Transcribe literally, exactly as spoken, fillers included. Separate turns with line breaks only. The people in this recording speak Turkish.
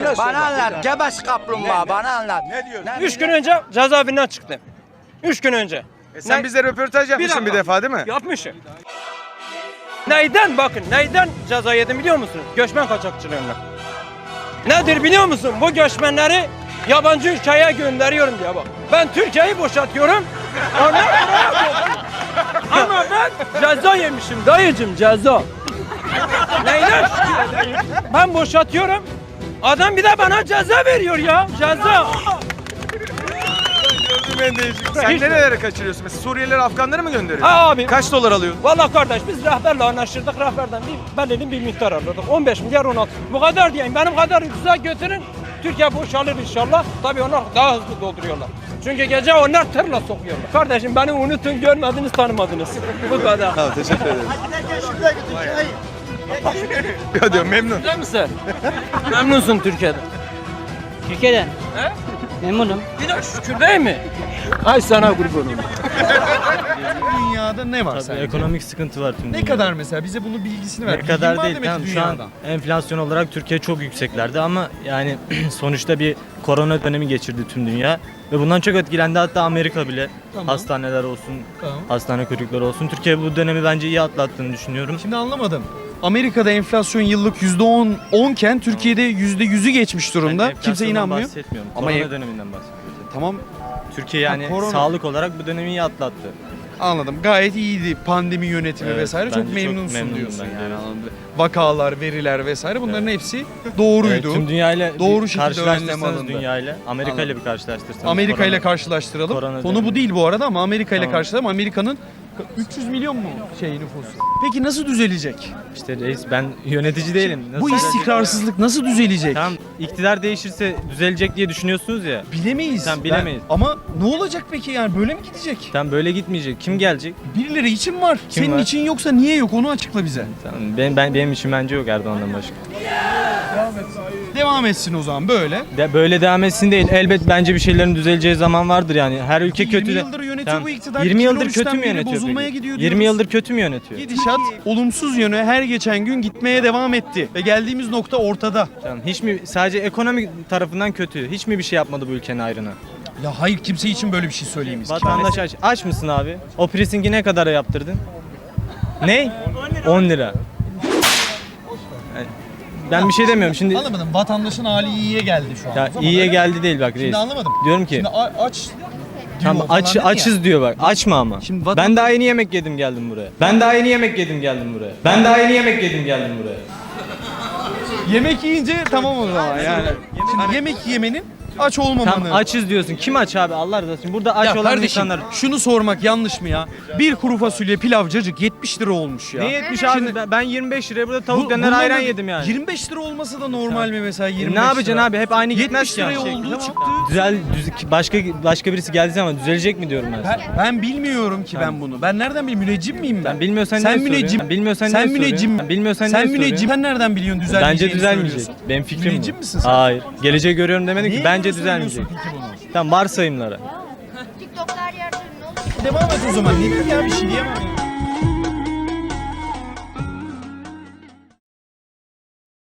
biraz
Bana
söyle.
anlat. Gebeş kaplumbağa bana anlat.
Ne diyorsun?
Ne-
Üç gün önce cezaevinden çıktım. Üç gün önce.
E sen
Ne-
bize röportaj yapmışsın bir,
dakika.
defa değil mi?
Yapmışım. Neyden bakın neyden ceza yedim biliyor musunuz? Göçmen kaçakçılığından. Nedir biliyor musun? Bu göçmenleri yabancı ülkeye gönderiyorum diye bak. Ben Türkiye'yi boşaltıyorum. Onlar buraya topluyor. Ama ben ceza yemişim dayıcım ceza. Neyden şükür edeyim? Ben boşaltıyorum. Adam bir de bana ceza veriyor ya. Ceza.
Gördüğüm en değişik. Sen
Hiç-
nerelere kaçırıyorsun? Mesela Suriyelileri, Afganları mı gönderiyorsun?
Ha abi.
Kaç dolar alıyorsun?
Vallahi kardeş biz rehberle anlaşırdık. Rehberden bir belirli bir miktar alırdık. on beş milyar on altı. Bu kadar diyeyim. Benim kadar ucuza götürün. Türkiye boşalır inşallah. Tabii onlar daha hızlı dolduruyorlar. Çünkü gece onlar tırla sokuyorlar. Kardeşim beni unutun, görmediniz, tanımadınız. Bu kadar.
Tamam teşekkür ederim. Ya diyorum memnun.
Güzel misin? Memnunsun Türkiye'den.
Türkiye'den
He?
memnunum.
Bir de şükür değil mi? Ay sana kurbanım.
Dünyada ne var
Tabii
sence?
ekonomik sıkıntı var tüm
Ne
dünyada.
kadar mesela bize bunu bilgisini ver.
Ne kadar
Bilgin var
değil.
demek ki
Tamam, şu an
dünyadan.
enflasyon olarak Türkiye çok yükseklerde ama yani sonuçta bir korona dönemi geçirdi tüm dünya ve bundan çok etkilendi, hatta Amerika bile.
Tamam.
Hastaneler olsun,
Tamam.
hastane kuyrukları olsun. Türkiye bu dönemi bence iyi atlattığını düşünüyorum.
Şimdi anlamadım. Amerika'da enflasyon yıllık yüzde on, on iken Türkiye'de yüzde yüzü geçmiş
Ben
durumda. Kimse
enflasyondan
inanmıyor.
bahsetmiyorum.
Ama
Korona
ev-
döneminden bahsediyorum.
Tamam
Türkiye yani
Ha, korona.
sağlık olarak bu dönemi iyi atlattı.
anladım. Gayet iyiydi pandemi yönetimi
Evet,
vesaire. Çok
bence çok
memnunsun
memnunum
diyorsun
ben,
yani.
evet.
anladım. Vakalar, veriler vesaire bunların hepsi doğruydu.
Evet, tüm dünyayla
Doğru
bir
şekilde önlem
karşılaştırsanız
alındı.
dünyayla, Amerika ile
Anladım.
bir karşılaştırsanız.
Amerika ile
korona-
karşılaştıralım.
korona
Konu bu
dönemi.
değil bu arada ama Amerika ile
Tamam.
karşılaştıralım. Amerika'nın üç yüz milyon mu şey nüfusu? Peki nasıl düzelecek?
İşte reis, ben yönetici değilim. Nasıl
Bu
düzelecek?
istikrarsızlık nasıl düzelecek?
Tamam, iktidar değişirse düzelecek diye düşünüyorsunuz ya.
Bilemeyiz.
Tamam, bilemeyiz.
Ben- ama ne olacak peki yani böyle mi gidecek?
Tam böyle gitmeyecek. Kim gelecek?
Birileri için var.
Kim
Senin
var?
için yoksa niye yok onu açıkla bize.
Tamam, ben, ben benim için bence yok Erdoğan'dan başka.
Devam etsin o zaman böyle.
De, böyle devam etsin değil. Elbet bence bir şeylerin düzeleceği zaman vardır yani. Her ülke
yirmi
kötü de.
yıldır yönetiyor
Tamam,
bu iktidar.
yirmi yıldır
iki bin on üçten
kötü mü
beri
yönetiyor
bozulmaya
peki?
gidiyor
yirmi
diyoruz.
yıldır kötü mü yönetiyor?
Gidişat olumsuz yöne her geçen gün gitmeye devam etti. Ve geldiğimiz nokta ortada.
Tamam, hiç mi sadece ekonomik tarafından kötü? Hiç mi bir şey yapmadı bu ülkenin ayrına?
Ya hayır kimse için böyle bir şey söyleyemeyiz.
Vatandaş aç. Aç mısın abi? O prisingi ne kadara yaptırdın? Ne? on lira. Yani ben bir şey demiyorum şimdi.
Anlamadım. Vatandaşın hali iyiye geldi şu an.
Ya
O zaman
iyiye
öyle-
geldi değil bak reis.
Şimdi anlamadım.
Diyorum ki
Şimdi a- aç diyor
tam
falan
aç
dedi ya.
açız diyor bak. Açma ama.
Şimdi vatan-
Ben daha yeni yemek yedim geldim buraya. Ben daha yeni yemek yedim geldim buraya. Ben daha yeni yemek yedim geldim buraya.
Yemek yiyince tamam o zaman yani. Şimdi yemek yemenin aç olmamanı.
Tam açız diyorsun. Kim aç abi? Allah razı olsun. Burada aç
Ya
olan
kardeşim
insanlar.
şunu sormak yanlış mı ya? Bir kuru fasulye pilav cacık yetmiş lira olmuş ya.
Ne yetmiş abi?
Şimdi-
Ben- Ben yirmi beş liraya burada tavuk
Bu-
döner
bundan
ayran
da
yedim yani.
yirmi beş lira olmasa da normal mi mesela yirmi
E
beş
ne yapacaksın
lira?
abi? Hep aynı gitmez
yetmiş
ki yani.
liraya olduğu
Tamam.
çıktı.
Düzel, düz- başka başka birisi geldiği zaman düzelecek mi diyorum ben.
Ben, ben bilmiyorum ki ben bunu. Ben nereden bileyim? Müneccim miyim ben?
Sen bilmiyorsan
sen
niye
müneccim.
soruyorsun? Bilmiyorsan
sen
niye
müneccim.
soruyorsun? Bilmiyorsan
sen
niye
müneccim.
soruyorsun?
Sen nereden biliyorsun düzelmeyeceğini
Bence düzelmeyecek.
söylüyorsun?
Benim fikrim
Müneccim
bu.
misin sen?
Hayır. Geleceği görüyorum demedim ki.
Niye
Bence
bunu söylüyorsun
düzelmeyecek.
peki bunu?
Tamam, varsayımlara.
TikTok'ta her yerde ne olur?
Devam et o zaman. Ne diyeyim ya bir şey diyemem ya.